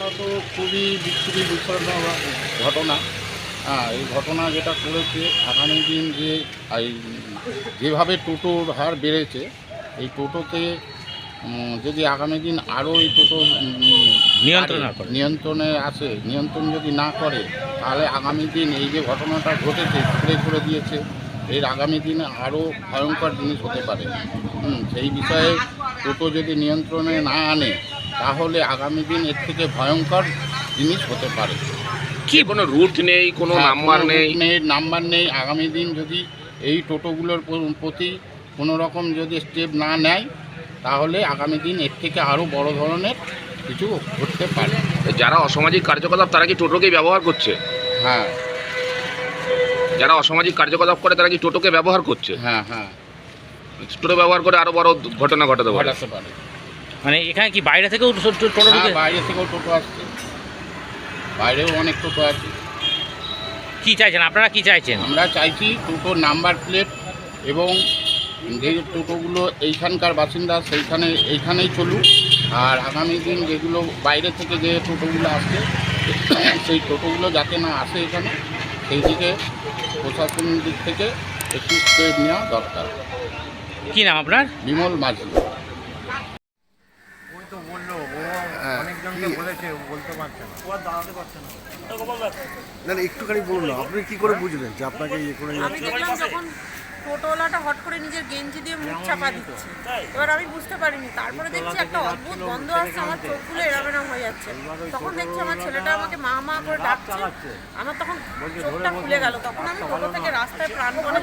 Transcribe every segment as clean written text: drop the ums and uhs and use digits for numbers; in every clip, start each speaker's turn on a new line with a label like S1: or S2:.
S1: ঘটনাটা তো খুবই বিচ্ছিরি বিষয়জনক ঘটনা। হ্যাঁ, এই ঘটনা যেটা করেছে আগামী দিন এই যেভাবে টোটোর হার বেড়েছে, এই টোটোকে যদি আগামী দিন আরও এই টোটো নিয়ন্ত্রণে আসে, নিয়ন্ত্রণ যদি না করে, তাহলে আগামী দিন এই যে ঘটনাটা ঘটেছে স্প্রে করে দিয়েছে, এর আগামী দিনে আরও ভয়ঙ্কর জিনিস হতে পারে। সেই বিষয়ে টোটো যদি নিয়ন্ত্রণে না আনে, তাহলে আগামী দিন এর থেকে ভয়ঙ্কর জিনিস হতে পারে।
S2: কি কোনো রুট নেই, কোনো নাম্বার নেই?
S1: নাম্বার নেই। আগামী দিন যদি এই টোটোগুলোর প্রতি কোনো রকম যদি স্টেপ না নেয়, তাহলে আগামী দিন এর থেকে আরও বড় ধরনের কিছু ঘটতে পারে।
S2: যারা অসামাজিক কার্যকলাপ তারা কি টোটোকেই ব্যবহার করছে?
S1: হ্যাঁ,
S2: যারা অসামাজিক কার্যকলাপ করে তারা কি টোটোকে ব্যবহার করছে?
S1: হ্যাঁ হ্যাঁ,
S2: টোটো ব্যবহার করে আরো বড় ঘটনা ঘটাতে পারে।
S3: মানে এখানে কি বাইরে থেকেও টোটো?
S1: বাইরে থেকেও টোটো আসছে, বাইরেও অনেক টোটো আছে।
S3: কি চাইছেন আপনারা, কি চাইছেন?
S1: আমরা চাইছি টোটোর নাম্বার প্লেট এবং যে টোটোগুলো এইখানকার বাসিন্দা এইখানেই চলুক। আর আগামী দিন যেগুলো বাইরে থেকে যে টোটোগুলো আসছে, সেই টোটোগুলো যাতে না আসে এখানে, সেই দিকে প্রশাসনের দিক থেকে একটু স্টেপ নেওয়া দরকার।
S3: কি নাম আপনার?
S1: বিমল মাঝি।
S4: ওই তো বললো, ও অনেকজনকে বলেছে, বলতে পারছে না, ও আর দাঁড়াতে পারছে না।
S5: না একটুখানি বলুন না, আপনি কি করে বুঝলেন যে আপনাকে ইয়ে করে
S6: আমি দেখলাম যখন টোটোওয়ালাটা হট করে নিজের গেঞ্জি দিয়ে মুখ চাপা দিচ্ছে, এবার আমি বুঝতে পারিনি। তারপরে দেখছি একটা অদ্ভুত গন্ধ আসছে, আমার চোখগুলো এরাম হয়ে যাচ্ছে। তখন দেখছি আমার ছেলেটা আমাকে মা মা করে ডাকছে, আমার তখন চোখটা খুলে গেল। তখন আমি টোটো থেকে রাস্তায় প্রাণপণে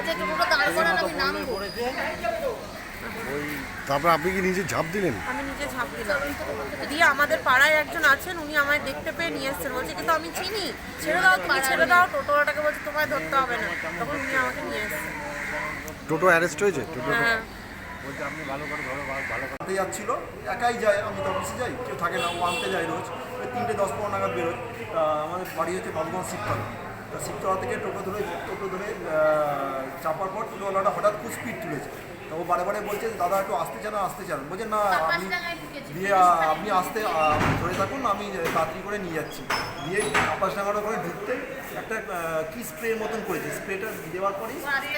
S5: তারপর আপনি কি নিজে ঝাঁপ দিলেন?
S6: আমি নিজে ঝাঁপ দিলাম। দিয়ে আমাদের পাড়ায় একজন আছেন, উনি আমায় দেখতে পেয়ে নিয়ে এসছেন। বলছে কিন্তু আমি চিনি, ছেড়ে দাও তুমি, ছেড়ে দাও। টোটোওয়ালাটাকে বলছে তোমায় ধরতে হবে না। তখন উনি আমাকে নিয়ে এসছেন।
S5: টোটো অ্যারেস্ট হয়েছে?
S6: হ্যাঁ,
S4: বলছে আপনি ভালো করে ধরো, ভালো করে যাচ্ছিল, একাই যায়, আমি তো অফিসে যাই, কেউ থাকে না, ও আনতে যায় রোজ। ওই 3:10-15 নাগাদ বেরোয়। আমাদের বাড়ি হচ্ছে বাবুগঞ্জ শিবতলা। তা শিবতলা থেকে টোটো ধরে চাপার পর টোটোওয়ালাটা হঠাৎ খুব স্পিড তুলেছে। তো ও বারে বলছে দাদা একটু আসতে চান? বলছে না, আপনি আসতে ধরে থাকুন, আমি তাড়াতাড়ি করে নিয়ে যাচ্ছি। দিয়ে আপাসডাঙ্গাটা করে ঢুকতে একটা কি স্প্রের মতন করেছে, স্প্রেটা দেওয়ার পরেই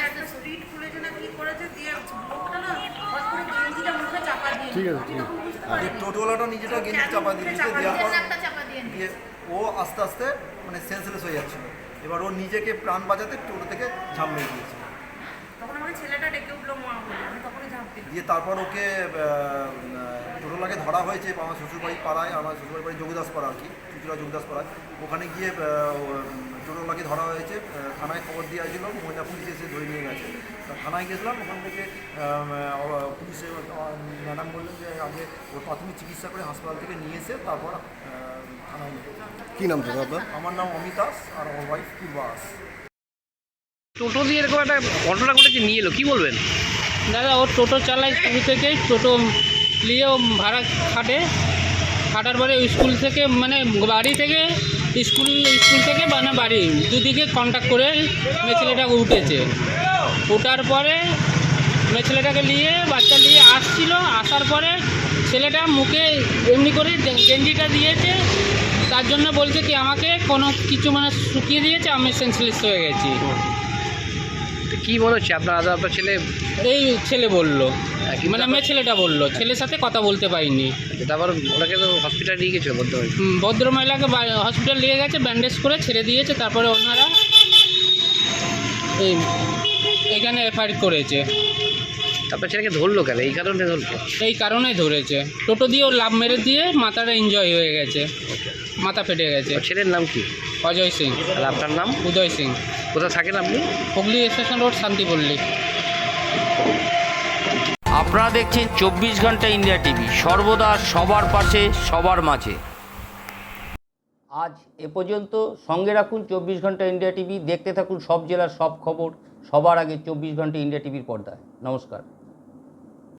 S5: ঠিক আছে,
S4: টোটোওয়ালাটা নিজেটা গেঞ্জি চাপা দিয়েছে, দেওয়ার পর দিয়ে ও আস্তে আস্তে মানে সেন্সলেস হয়ে যাচ্ছিল। এবার ও নিজেকে প্রাণ বাঁচাতে টোটো থেকে ঝাঁপ মেরে দিয়েছে।
S6: তখন আমার ছেলেটা ডেকে উঠলো মা বলে, আমি তখনই ঝাঁপ দিই।
S4: দিয়ে তারপর ওকে টোটোলাকে ধরা হয়েছে আমার শ্বশুরবাড়ি পাড়ায়, আমার শ্বশুরবাড়ি বাড়ি যোগদাস পাড়া আর কি, চুচুড়া যোগদাস পাড়ায়। ওখানে গিয়ে টোটোলাকে ধরা হয়েছে, থানায় খবর দেওয়া ছিল, মহিলা পুলিশ এসে ধরে নিয়ে গেছে। থানায় গেছিলাম, ওখান থেকে পুলিশে ম্যাডাম বললেন যে আগে ওর প্রাথমিক চিকিৎসা করে হাসপাতাল থেকে নিয়ে এসে তারপর থানায় নিয়ে।
S5: কী নাম দাদা আপনার?
S4: আমার নাম অমিতাস আর আমার ওয়াইফ পূর্বাস।
S2: টোটো দিয়ে এরকম একটা ঘটনা ঘটেছে, নিয়ে এলো, কি বলবেন?
S3: দাদা ও টোটো চালায় শুরু থেকেই, টোটো নিয়ে ও ভাড়া খাটার পরে স্কুল থেকে মানে বাড়ি থেকে স্কুল থেকে মানে বাড়ি দুদিকে কন্ট্যাক্ট করে মেয়ে ছেলেটাকে উঠেছে। ওঠার পরে মেয়ে ছেলেটাকে নিয়ে বাচ্চা নিয়ে আসছিল, আসার পরে ছেলেটা মুখে এমনি করে গেঞ্জিটা দিয়েছে, তার জন্য বলছে কি আমাকে কোনো কিছু মানে শুকিয়ে দিয়েছে, আমি সেন্সলেস হয়ে গেছি।
S2: কি মনে হচ্ছে আপনার ছেলে?
S3: এই ছেলে বললো, মানে মেয়ে ছেলেটা বললো, ছেলের সাথে কথা বলতে পারিনি।
S2: তারপর ওনাকে তো হসপিটাল নিয়ে গেছিল
S3: ভদ্রমহিলাকে হসপিটাল নিয়ে গেছে, ব্যান্ডেজ করে ছেড়ে দিয়েছে। তারপরে ওনারা এখানে এফআইআর করেছে।
S2: আপনার ছেলেকে ধরলো কেন? এই কারণে ধরলো?
S3: এই কারণেই ধরেছে, টোটো দিয়ে ও লাভ মেরে দিয়ে মাথাটা এনজয় হয়ে গেছে, মাথা ফেটে গেছে।
S2: ছেলের নাম কি?
S3: অজয় সিং।
S2: আর আপনার নাম?
S3: উদয় সিং।
S2: কোথায় থাকেন আপনি?
S3: Hooghly station road, Shantipalli.
S7: আপনারা দেখছেন 24 ঘন্টা ইন্ডিয়া টিভি, সর্বদা সবার পাশে সবার মাঝে। আজ এ পর্যন্ত। সঙ্গে রাখুন 24 ঘন্টা ইন্ডিয়া টিভি, দেখতে থাকুন সব জেলার সব খবর সবার আগে 24 ঘন্টা ইন্ডিয়া টিভির পর্দায়। নমস্কার।